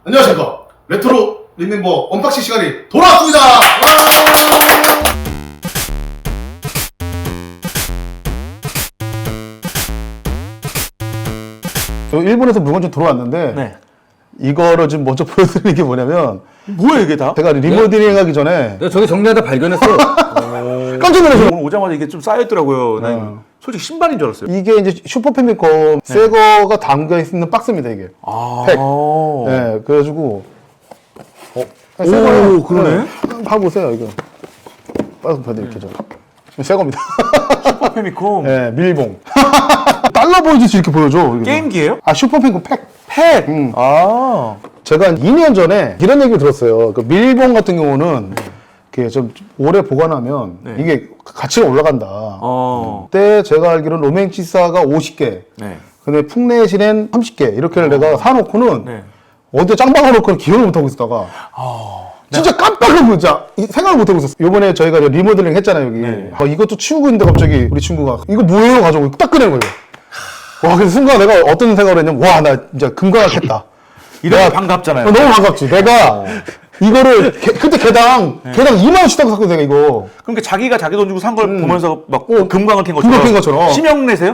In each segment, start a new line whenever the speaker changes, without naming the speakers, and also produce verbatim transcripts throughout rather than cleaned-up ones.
안녕하십니까. 레트로 림멤버 언박싱 시간이 돌아왔습니다. 저 일본에서 물건 좀 들어왔는데
네.
이거를 지금 먼저 보여드리는 게 뭐냐면
뭐야 이게 다?
제가 리모델링 하기 전에
내가 저기 정리하다 발견했어.
깜짝 놀랐어요.
오늘 오자마자 이게 좀 쌓여있더라고요. 난
네.
솔직히 신발인 줄 알았어요.
이게 이제 슈퍼 패미컴 새 거가 담겨 있는 박스입니다 이게.
아.
팩. 네, 그래가지고 어,
오, 그러네.
봐보세요 이거. 빠져 보여드릴게요. 저. 새 겁니다.
슈퍼 패미콤.
네, 밀봉. 달러 보여주지 이렇게 보여줘. 이게.
게임기예요?
아 슈퍼 패미컴 팩.
팩.
음.
아.
제가 한 이 년 전에 이런 얘기를 들었어요. 그 밀봉 같은 경우는 이렇게 좀 오래 보관하면
네.
이게 가치가 올라간다.
어.
그때 제가 알기로는 로맨치사가 오십 개,
네.
근데 풍내신엔 삼십 개 이렇게를 내가 사놓고는
네.
어디에 짱 박아놓고는 기억을 못하고 있었다가
아.
진짜 깜빡을 진짜 생각을 못하고 있었어요. 이번에 저희가 이제 리모델링 했잖아요 여기.
네.
아, 이것도 치우고 있는데 갑자기 우리 친구가 이거 뭐예요? 가지고 딱 꺼낸 거예요. 와, 그래서 순간 내가 어떤 생각을 했냐면 와, 나 진짜 금광했다.
이런 게 반갑잖아요.
어, 너무 반갑지. 내가 이거를 개, 그때 개당 개당 이만 원씩 하고 샀거든 내가 이거.
그러니까 자기가 자기 돈 주고 산 걸 보면서 막
어,
금광을 캔 것처럼.
금광 캔 것처럼.
심형 내세요?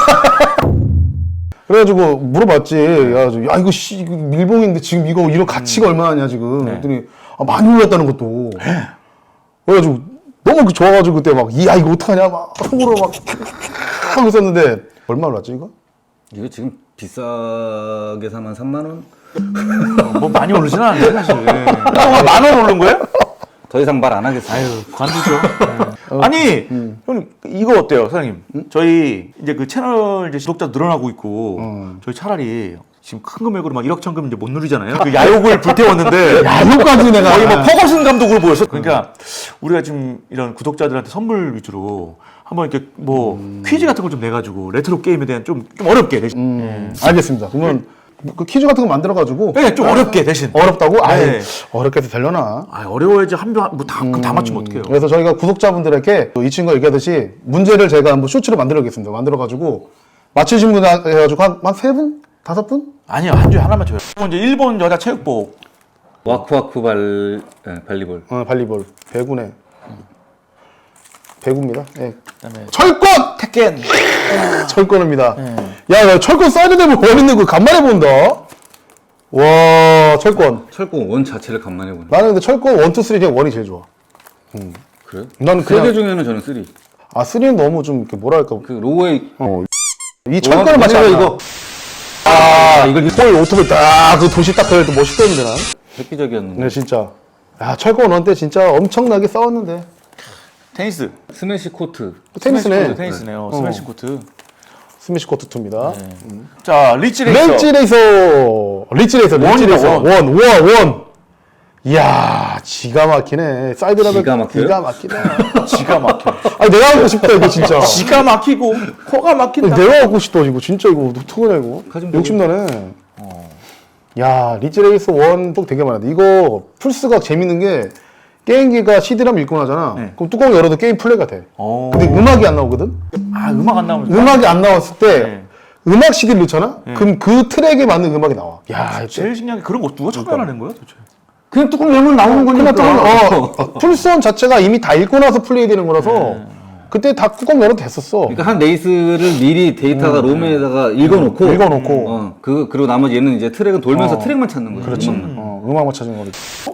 그래가지고 물어봤지. 야, 야 이거 씨 이거 밀봉인데 지금 이거 이런 가치가 얼마냐 지금.
네.
그랬더니 아, 많이 올랐다는 것도. 그래가지고 너무 좋아가지고 그때 막 야 이거 어떡하냐 막 속으로 막 하고 있었는데 얼마 올랐지 이거?
이거 지금 비싸게 사면 삼만 원?
뭐 많이 오르지는 않아요 사실. 만원 오른 거예요?
더 이상 말 안 하겠어.
아유, 관두죠. 네. 아니, 형님, 이거 어때요, 사장님? 저희 이제 그 채널 이제 구독자 늘어나고 있고,
음.
저희 차라리 지금 큰 금액으로 막 일억 천금 이제 못 누리잖아요. 그 야욕을 불태웠는데,
야 이거까지 내가
거의 뭐 퍼거슨 감독으로 보였어. 그러니까 우리가 지금 이런 구독자들한테 선물 위주로 한번 이렇게 뭐 퀴즈 같은 걸 좀 내가지고 레트로 게임에 대한 좀, 좀 어렵게 대신.
음, 알겠습니다. 그러면 그 퀴즈 같은 거 만들어가지고
네, 좀 어렵게 대신.
어렵다고? 아이
네.
어렵게 해도 되려나?
아, 어려워야지 한명뭐다 다 맞추면 어떡해요?
그래서 저희가 구독자분들에게 이 친구가 얘기하듯이 문제를 제가 한번 쇼츠로 만들어보겠습니다. 만들어가지고 맞추신 분 해가지고 한 세 분? 다섯 분?
아니요, 한 주에 하나만 줘요. 이제 일본 여자 체육복.
와쿠와쿠 발, 예, 발리볼.
어, 발리볼 배구네. 배구입니다. 예.
그다음에
철권!
테켄.
철권입니다.
네.
야, 나 철권 사이드 되면 원 있는 거 간만에 본다. 와, 철권.
철권 원 자체를 간만에 보네.
나는 근데 철권 원, 투, 쓰리 그냥 원이 제일 좋아.
그래?
나는
세 개
그냥
중에는 저는 쓰리.
아, 쓰리는 너무 좀 이렇게 뭐랄까
그 로우웨이.
어. 이 철권을 맞지 않아.
이거.
아, 이걸 홀 오토바이 딱, 그 도시 딱 걸릴 때 멋있었는데, 난.
획기적이었는데.
네, 진짜. 야, 철권 원 때 진짜 엄청나게 싸웠는데.
테니스.
스매시 코트.
테니스네.
스매시 코트, 테니스네요.
어.
스매시 코트.
스매시 코트 투입니다.
자, 리치 레이서.
렌치 레이서. 리치 레이서, 리치
원이다,
레이서.
원.
원, 원, 원. 이야, 기가 막히네. 사이드라면
기가 막혀요?
기가 막히네.
지가 막혀.
아니, 내가 갖고 싶다, 이거 진짜.
지가 막히고 코가 막힌다.
내가 갖고 싶다, 이거. 진짜 이거. 어떡하냐, 이거.
가지면
욕심나네. 야, 리치 레이서 원 또 되게 많은데. 이거 플스가 재밌는 게 게임기가 씨디라면 읽고 나잖아.
네.
그럼 뚜껑 열어도 게임 플레이가 돼.
어.
근데 음악이 안 나오거든?
아, 음악 안 나오면
음악이 안 나왔을 때
네.
음악 씨디를 넣잖아? 그럼 그 트랙에 맞는 음악이 나와. 야,
제일 신기한 게 그런 거 누가 참여하는 거야, 도대체?
그냥 뚜껑 열면 나오는 거니까.
그냥 뚜껑, 어, 플스원 자체가 이미 다 읽고 나서 플레이되는 거라서 그때 다 뚜껑 열어도 됐었어.
그러니까 한 레이스를 미리 데이터가 롬에다가 읽어놓고.
읽어놓고.
어, 그, 그리고 나머지 얘는 이제 트랙은 돌면서
어.
트랙만 찾는 거야.
그렇지.
음악만.
어, 음악만 찾은 거지.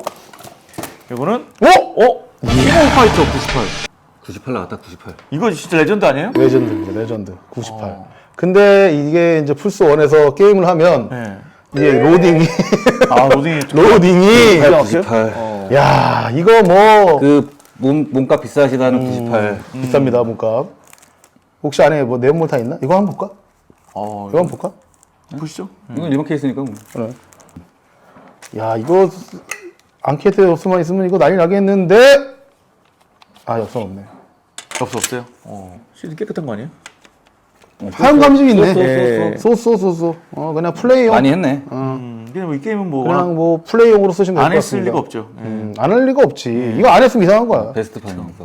이거는
어?
어? 키보드 파이터 구십팔.
구십팔 나왔다, 구십팔.
이거 진짜 레전드 아니에요?
레전드입니다, 레전드. 구십팔. 근데 이게 이제 플스원에서 게임을 하면
네.
이게 로딩이,
아, 로딩이 좀
로딩이,
구십팔.
어.
야, 이거 뭐,
그 몸, 몸값 비싸시다는 구십팔.
비쌉니다, 몸값. 혹시 안에 뭐 내용물 다 있나? 이거 한번 볼까?
어,
이거 한번 볼까?
보시죠.
이건 일반 케이스니까 뭐.
그래. 야, 이거 앙케이트 엽서만 있으면 이거 난리 나겠는데? 아, 엽서 없네.
없어 없어요. 어. 씨디 깨끗한 거 아니에요?
하얀 감정이 있네.
쏘, 쏘,
예.
쏘,
쏘, 쏘, 쏘, 쏘. 어, 그냥 플레이용.
많이 했네.
음, 그냥 뭐이 게임은 뭐
그냥 뭐 플레이용으로 쓰시면 될
안
것
했을
같습니다.
리가 없죠. 예.
음, 안 할 리가 없지. 이거 안 했으면 이상한 거야.
베스트 판이니까.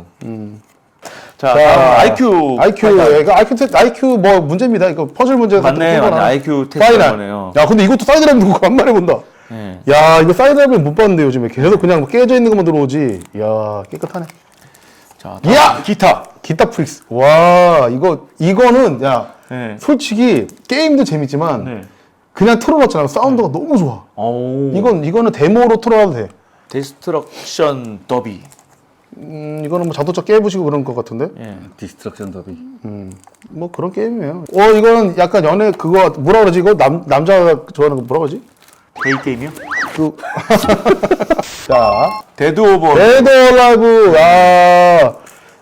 자,
자,
다음 아이큐.
아이큐, 이거 아이큐, 테- 아이큐 뭐 문제입니다. 이거 퍼즐 문제에서
맞네,
또
맞네.
거나.
아이큐 테스트
파이널.
거네요.
야, 근데 이것도 사이드라면 누구 간만에 본다.
네.
야 이거 사이드업을 못 봤는데 요즘에 계속 그냥 깨져 있는 것만 들어오지. 야 깨끗하네.
자,
야!
기타.
기타 프릭스. 와 이거 이거는 야
네.
솔직히 게임도 재밌지만
네.
그냥 틀어놨잖아. 사운드가 너무 좋아.
오.
이건 이거는 데모로 틀어놔도 돼.
데스트럭션 더비.
음 이거는 뭐 자동차 깨부시고 그런 것 같은데.
예.
디스트럭션 더비.
뭐 그런 게임이에요. 어 이거는 약간 연애 그거 뭐라 그러지 이거 남 남자가 좋아하는 거 뭐라 그러지?
데이 게임이요?
그 자.
데드 오버.
데드 라이브. 야.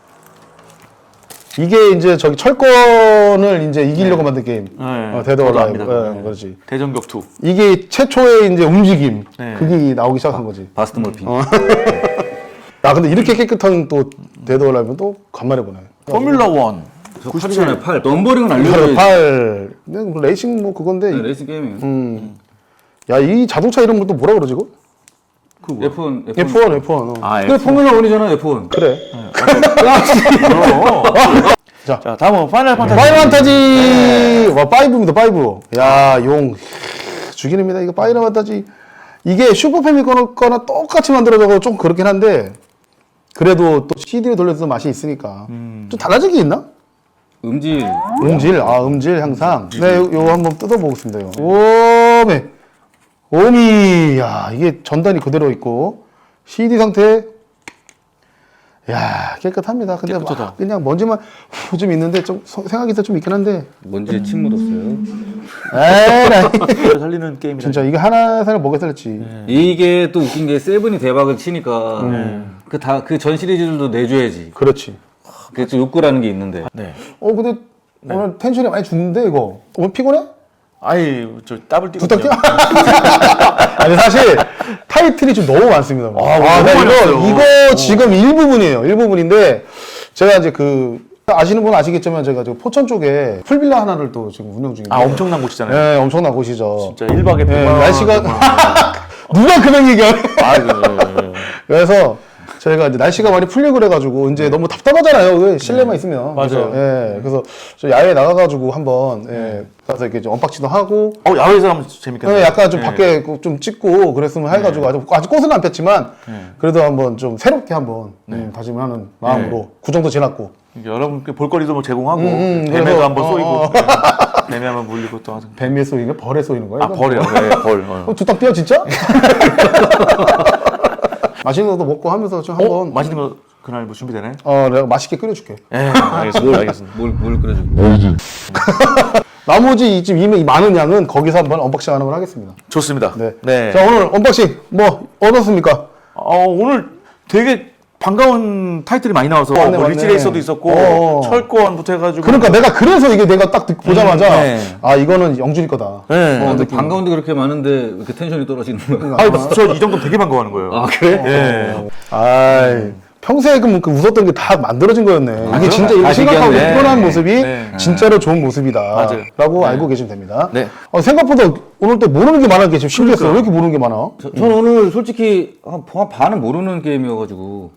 이게 이제 저기 철권을 이제 이기려고 만든 게임.
네.
어, 데드
저도
라이브.
압니다.
예,
네.
그렇지.
대전격투.
이게 최초의 이제 움직임.
네.
그게 나오기 시작한 거지.
바스트 몰핀.
야, 근데 이렇게 깨끗한 또 데드 라이브는 또 간만에 보네.
포뮬러 원.
팔이 전에 팔. 넘버링은
팔,
알려줘야지.
팔. 근데 뭐 레이싱 뭐 그건데.
네, 레이싱 게임이에요.
음. 야, 이 자동차 이름을 또 뭐라 그러지 이거?
그 에프원.
에프 원, 에프 원. 어.
아,
그래, 포뮬러 원이잖아, 에프원.
그래.
자, 자, 다음은 파이널 판타지.
파이널 판타지 와 파이브입니다 파이브. 야, 용 죽이는입니다. 이거 파이널 판타지 이게 슈퍼 패미컴 거나 똑같이 만들어져서 좀 그렇긴 한데 그래도 또 씨디를 돌려서 맛이 있으니까 좀 달라진 게 있나?
음질.
음질, 아 음질 향상. 네, 요, 요 한번 뜯어보겠습니다. 요. 오메, 오미, 야 이게 전단이 그대로 있고 씨디 상태. 야 깨끗합니다. 근데
깨끗하다.
막 그냥 먼지만 후 좀 있는데 좀 소- 생각이 좀 있긴 한데.
먼지에 침 묻었어요.
에이,
살리는 게임이라.
진짜 이게 하나 살을 먹여 살렸지.
이게 또 웃긴 게 세븐이 대박을 치니까 그 다 그 전 시리즈들도 내줘야지.
그렇지.
그게 좀 욕구라는 게 있는데.
네.
어 근데 오늘 텐션이 많이 죽는데 이거. 오늘 피곤해?
아이, 저 더블 뛰고.
부탁 아니 사실 타이틀이 좀 너무 많습니다.
아,
아,
너무
나
많이
이거
왔어요.
이거 지금 일부분이에요. 일부분인데 제가 이제 그 아시는 분은 아시겠지만 제가 저 포천 쪽에 풀빌라 하나를 또 지금 운영 중인데.
아, 엄청난 곳이잖아요.
네, 엄청난 곳이죠.
진짜 일 박에
네,
백만 원.
날씨가 누가 금액 얘기하네.
아, 그,
그래서 저희가 이제 날씨가 많이 풀리고 그래가지고 이제 너무 답답하잖아요. 그 실내만 있으면.
맞아요.
그래서, 예, 그래서 저 야외 나가가지고 한번 예, 가서 이렇게 좀 언박싱도 하고.
어, 야외에서 하면 재밌겠네요.
예, 약간 좀
네.
밖에 좀 찍고 그랬으면 해가지고 아직 아직 꽃은 안 폈지만 그래도 한번 좀 새롭게 한번 음, 다짐하는 마음으로 구 정도 지났고.
여러분께 볼거리도 뭐 제공하고
음,
뱀에도
그래서,
한번
어,
쏘이고
어.
네. 뱀에 한번 물리고 또 하든.
뱀의 쏘이는 벌에 쏘이는 거예요?
아, 벌이요. 네, 벌. 어.
두탕 뛰어 진짜? 맛있는 것도 먹고 하면서 좀
어?
한번
맛있는 거 그날 뭐 준비되네?
어 내가 맛있게 끓여줄게.
예, 알겠습니다. 알겠습니다.
뭘, 뭘 끓여줘.
나머지 이 지금 이 많은 양은 거기서 한번 언박싱하는 걸 하겠습니다.
좋습니다.
네.
네.
자 오늘 언박싱 뭐 어떻습니까?
어, 오늘 되게 반가운 타이틀이 많이 나와서
맞네,
뭐
맞네.
리치레이서도 있었고
어어.
철권부터 해가지고
그러니까 내가 그래서 이게 내가 딱 듣- 보자마자
음, 네.
아 이거는 영준이 거다.
네.
어, 근데 반가운데 그렇게 많은데 왜 이렇게 텐션이 떨어지는 거야?
아, 저이 정도면 되게 반가워하는 거예요.
아, 그래?
예.
아이 평소에 그, 그 웃었던 게 다 만들어진 거였네. 이게 진짜 이거
아,
심각하고
신기하네.
피곤한 모습이
네.
진짜로 좋은 모습이다.
맞아요.
라고 알고 계시면 됩니다.
네.
어, 생각보다 오늘 또 모르는 게 많은 게 지금 신기했어요. 왜 이렇게 모르는 게 많아?
저, 저는 오늘 솔직히 한, 한 반은 모르는 게임이어가지고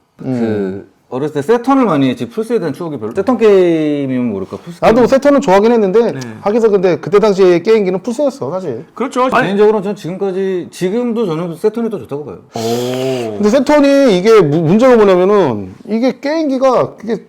그 어렸을 때 세턴을 많이 했지 플스에 대한 추억이 별로. 세턴 게임이면 모를까 플스.
나도 세턴은 좋아하긴 했는데 하기서 근데 그때 당시에 게임기는 플스였어 사실.
그렇죠.
게임. 개인적으로는 전 지금까지 지금도 저는 세턴이 더 좋다고 봐요.
오.
근데 세턴이 이게 무- 문제가 뭐냐면은 이게 게임기가 그게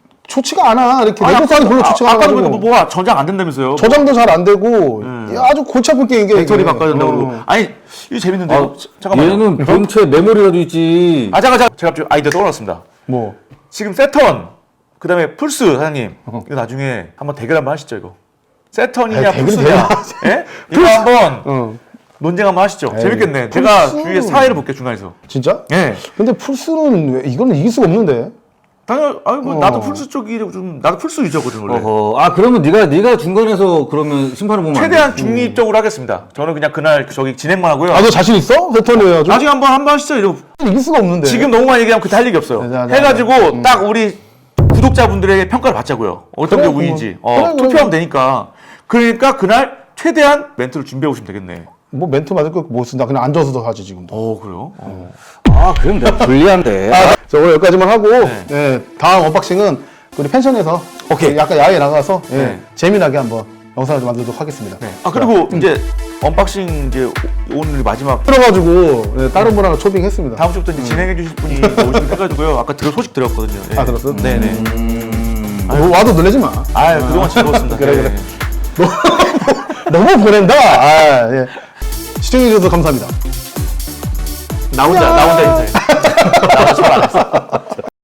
좋지가 않아. 이렇게 내구성이 별로 좋지가
아까도
않아가지고
보니까 뭐가 저장 안 된다면서요?
저장도 잘 안 되고 아주 골치 아픈 게임이게.
배터리
이게.
바꿔야 된다고
어.
그러고. 아니, 이거 재밌는데.
아,
이거. 잠깐만요.
얘는 본체 메모리라도 있지.
아, 잠깐, 잠깐. 제가 갑자기 아이디어 떠올랐습니다.
뭐
지금 세턴, 그 다음에 플스, 사장님. 이거 나중에 한번 대결 한번 하시죠, 이거. 세턴이냐,
아니, 대결이
플스냐. 예? 이거 한번
어.
논쟁 한번 하시죠.
에이,
재밌겠네. 제가
플스.
주위에 사회를 볼게요, 중간에서.
진짜?
예.
근데 플스는 왜- 이거는 이길 수가 없는데.
당연, 아니, 뭐,
어.
나도 플스 쪽이 좀, 나도 플스 유저거든, 원래.
어허. 아 그러면 네가 네가 중간에서 그러면 심판을 보면 안
최대한
돼?
중립적으로 하겠습니다. 저는 그냥 그날 저기 진행만 하고요.
아 너 자신 있어? 세턴이 해가지고
나중에 한번 한번 하시죠. 이러고.
이길 수가 없는데.
지금 너무만 얘기하면 그때 할 얘기 없어요.
네, 네, 네,
해가지고 딱 우리 구독자분들에게 평가를 받자고요. 어떤
그래,
게 우위인지.
그럼.
어,
그래, 그래,
투표하면 되니까. 그러니까 그날 최대한 멘트를 준비해 오시면 되겠네.
뭐 멘트 맞을 거못 쓴다. 그냥 앉아서도 하지 지금도.
어, 그래요? 어.
아 그럼 내가 불리한데.
아, 자, 오늘 여기까지만 하고 네, 다음 언박싱은 우리 펜션에서
오케이.
약간 야외 나가서 예,
네.
재미나게 한번 영상을 좀 만들도록 하겠습니다.
네. 아 그리고 이제 언박싱 이제 오늘 마지막
들어가지고 네, 다른 분하고 초빙했습니다.
다음 주부터 이제 진행해 주실 분이 오시긴 해가지고요. 아까 들어 소식 들었거든요. 예.
아 들었어?
네네.
음.
뭐 와도 놀라지 마.
아 그동안 즐거웠습니다.
그래,
네.
그래. 너무 보낸다. 아, 예. 시청해주셔서 감사합니다.
나 혼자 나 혼자 인사해. 나 혼자 잘안 했어.